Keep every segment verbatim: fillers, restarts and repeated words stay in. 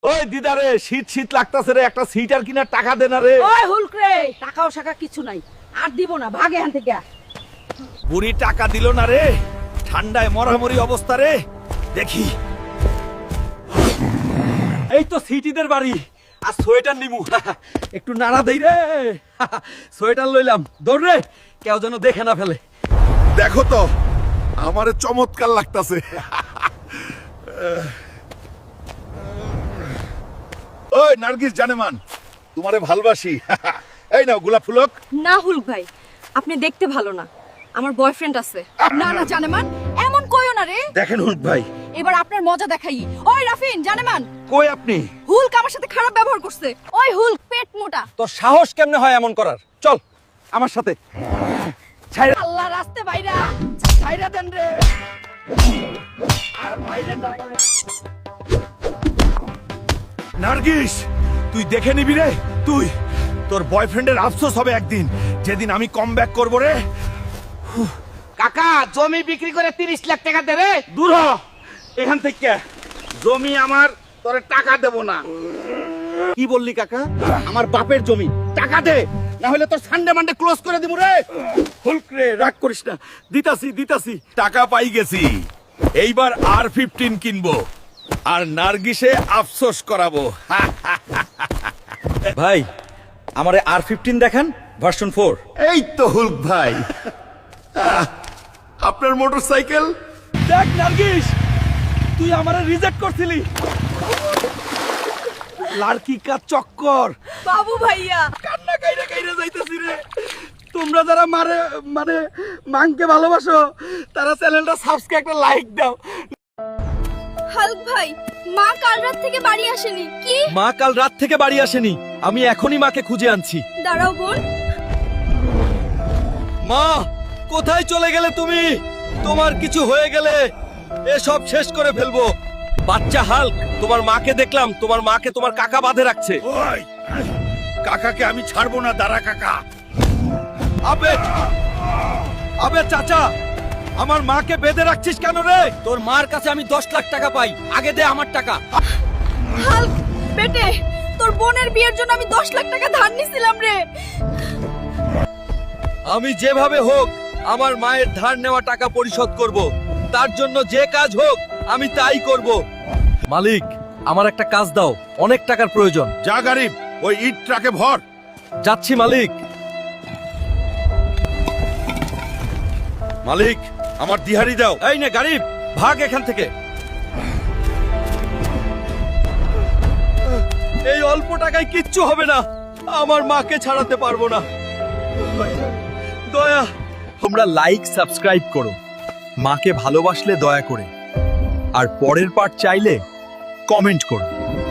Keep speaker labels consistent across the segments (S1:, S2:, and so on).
S1: ওই দিদা রে, শীত শীত লাগতাছে রে, একটা সিটার কিনার টাকা দে না রে।
S2: ওই হুলক রে, টাকাও শাকা কিছু নাই, আর দিব না, ভাগ এখান থেকে।
S1: বুড়ি টাকা দিল না রে, ঠান্ডায় মরামরি অবস্থা রে। দেখি এই তো সিটিদের বাড়ি, আর সোয়েটার নিমু। একটু নাড়া দেই রে। সোয়েটার লইলাম, দৌড় রে, কেউ যেন দেখে না ফেলে।
S3: দেখো তো আমারে চমৎকার লাগতাছে। ওই নার্গিস জানেমান, তোমারে ভালোবাসি। এই নাও গোলাপ ফুলক।
S4: না হুলক ভাই, আপনি দেখতে ভালো না, আমার বয়ফ্রেন্ড আছে।
S2: না না জানেমান, এমন কইও না রে।
S1: দেখেন হুলক ভাই।
S2: এবার আপনার মজা দেখাই। ওই রাফিন জানেমান,
S1: কই আপনি?
S2: হুলক আমার সাথে খারাপ ব্যবহার করছে। ওই হুলক পেট মোটা।
S1: তোর সাহস কেমনে হয় এমন করার? চল আমার সাথে। ছাইরা
S2: আল্লাহ রাস্তে বাইরা, ছাইরা দেন রে। আর বাইরে না।
S3: নার্গিস, তুই দেখে নিবি রে। তুই তোর বয়ফ্রেন্ডের আফসোস হবে একদিন, যেদিন আমি কম ব্যাক করবো রে।
S1: কাকা, জমি বিক্রি করে তিরিশ লাখ টাকা দে রে। দূর হ এখান থেকে। জমি আমার, তোরে টাকা দেব না। কি বললি কাকা? আমার বাপের জমি, টাকা দে, না হলে তোর সানডে মানডে ক্লোজ করে দিব রে। হুলক রে, রাগ করিস না, দিতাছি দিতাছি।
S3: টাকা পাই গেছি, এইবার আর ফিফটিন কিনবো, আর নার্গিসে আফসোস করাবো।
S1: ভাই, আমারে আর ফিফটিন দেখান, ভার্সন ফোর।
S3: এই তো হুলক ভাই, আহ, আপনার মোটরসাইকেল।
S1: দেখ নার্গিস, তুই আমারে রিজেক্ট করছিলি। লাড়কি কা চক্কর।
S2: বাবু ভাইয়া,
S1: কান্না কাইরা কাইরা যাইতেছি রে। তোমরা যারা মারে মানে মাংকে ভালোবাসো, তারা চ্যানেলটা সাবস্ক্রাইব একটা লাইক দাও।
S4: হালক ভাই, মা কাল রাত থেকে বাড়ি আসেনি। কি?
S1: মা কাল রাত থেকে বাড়ি আসেনি, আমি এখনই মাকে খুঁজে আনছি।
S4: দাঁড়াও বোন।
S1: মা, কোথায় চলে গেলে তুমি? তোমার কিছু হয়ে গেলে এসব শেষ করে ফেলবো। বাচ্চা হাল্ক, তোমার মাকে দেখলাম, তোমার মাকে তোমার কাকা বাঁধে রাখছে।
S3: ওই কাকাকে আমি ছাড়বো না, দাঁড়া কাকা।
S1: আবে আবে চাচা, আমার মাকে বেঁধে রাখছিস কেন রে? তোর মার কাছে আমি দশ লাখ টাকা পাই, আগে দে আমার টাকা।
S4: হালক বেটে, তোর বোনের বিয়ের জন্য আমি দশ লাখ টাকা ধার নিছিলাম রে।
S1: আমি যেভাবে হোক আমার মায়ের ধার নেওয়া টাকা পরিশোধ করব, তার জন্য যে কাজ হোক আমি তাই করব। মালিক, আমার একটা কাজ দাও, অনেক টাকার প্রয়োজন।
S3: যা গরিব, ওই ইট ট্রাকে ভর।
S1: যাচ্ছি মালিক।
S3: মালিক, আমার দিহারি দাও।
S1: এই নে গরিব, ভাগ এখান থেকে। এই অল্প টাকায় কিচ্ছু হবে না, আমার মাকে ছাড়াতে পারবো না। দয়া, তোমরা লাইক সাবস্ক্রাইব করো, মাকে ভালোবাসলে দয়া করে, আর পরের পার্ট চাইলে কমেন্ট করো।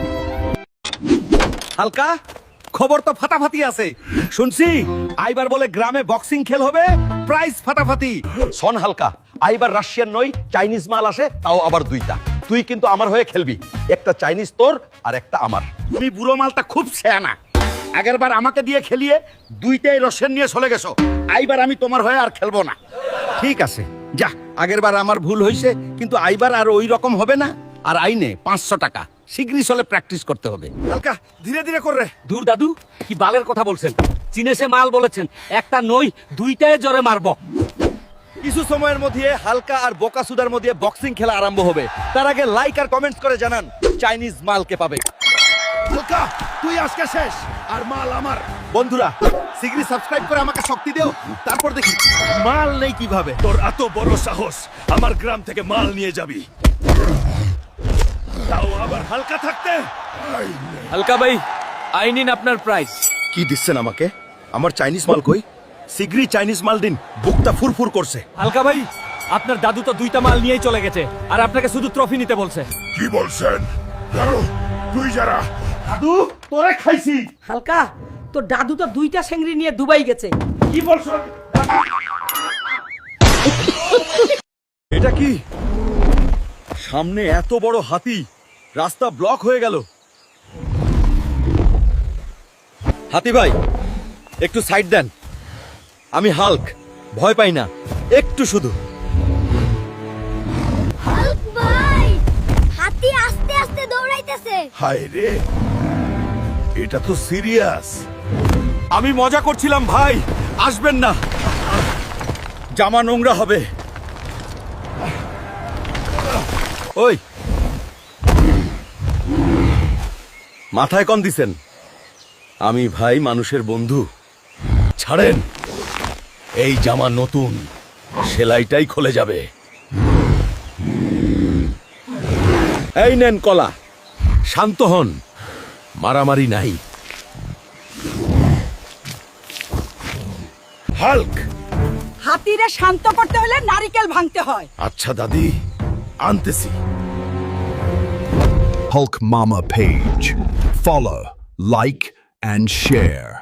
S1: হালকা, খবর তো ফাটাফাটি আছে শুনছি। আইবার বলে গ্রামে বক্সিং খেল হবে, প্রাইজ ফাটাফাটি। শোন হালকা, আইবার রাশিয়ান নই, চাইনিজ মাল আসে, তাও আবার দুইটা। তুই কিন্তু আমার হয়ে খেলবি, একটা চাইনিজ তোর আর একটা আমার।
S3: তুমি বুড়ো মালটা খুব ছেয়ানা। আগের বার আমাকে দিয়ে খেলিয়ে দুইটাই রসেন নিয়ে চলে গেছো। আইবার আমি তোমার হয়ে আর খেলবো না।
S1: ঠিক আছে, যা, আগের বার আমার ভুল হয়েছে, কিন্তু আইবার আর ওই রকম হবে না। আর আইনে পাঁচশো টাকা, শীঘ্রই চলে প্র্যাকটিস করতে হবে।
S3: হালকা, ধীরে ধীরে করে।
S5: দূর দাদু, কি বালের কথা বলছেন? চিনেছে মাল বলেছেন, একটা নই দুইটায় জোরে মারবো।
S1: কিছু সময়ের মধ্যে হালকা আর বোকাসুদার মধ্যে বক্সিং খেলা আরম্ভ হবে। তার আগে লাইক আর কমেন্টস করে জানান চাইনিজ মাল কে পাবে।
S3: হালকা, তুই আজকে শেষ, আর মাল আমার।
S1: বন্ধুরা, শীঘ্রই সাবস্ক্রাইব করে আমাকে শক্তি দিও, তারপর দেখি মাল নেই কিভাবে।
S3: তোর এত বড় সাহস, আমার গ্রাম থেকে মাল নিয়ে যাবি, তাও আবার হালকা থাকতে।
S5: হালকা ভাই, আই নিন আপনার প্রাইস।
S3: কি দিচ্ছেন আমাকে? আমার চাইনিজ মাল কই? শীঘ্রই চাইনিজ মাল দিন, বুকটা ফুরফুর করছে।
S5: হালকা ভাই, আপনার দাদু তো দুইটা মাল নিয়েই চলে গেছে, আর আপনাকে শুধু ট্রফি নিতে বলছে।
S3: কি বলছেন? তুই যারা
S1: দাদু, তোরে খাইছি।
S2: হালকা, তোর দাদু তো দুইটা সেঙ্গরি নিয়ে দুবাই গেছে।
S1: কি বলছো? এটা কি? সামনে এত বড় হাতি, রাস্তা ব্লক হয়ে গেল। হাতি ভাই, একটু সাইড দেন। আমি হাল্ক, ভয় পাই না, একটু শুধু।
S4: হালক ভাই, হাতি আস্তে আস্তে দৌড়াইতে আইতাছে।
S3: হায় রে, এটা তো সিরিয়াস। আমি মজা করছিলাম ভাই, আসবেন না, জামা নোংরা হবে। ওই মাথায় কম দিছেন? আমি ভাই মানুষের বন্ধু, ছাড়েন। এই জামা নতুন, সেলাইটাই খুলে যাবে। এই নেন কলা, শান্ত হন, মারামারি নাই। হাল্ক।
S2: হাতিরে শান্ত করতে হলে নারিকেল ভাঙতে হয়।
S3: আচ্ছা দাদি, আনতেছি।
S6: Hulk Mama page. Follow, like, and share.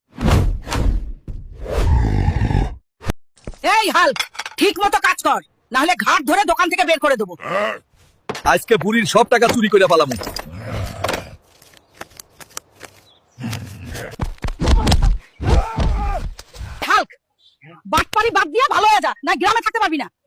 S2: এই হাল্ক, ঠিক মতো কাজ কর, না হলে ঘাট ধরে দোকান থেকে বের করে দেবো।
S3: আজকে বুড়ির সব টাকা চুরি করে পালামু।
S2: হাল্ক, বাটপারি বাদ দিয়া ভালো হয়ে যা, না গ্রামে থাকতে পারবি না।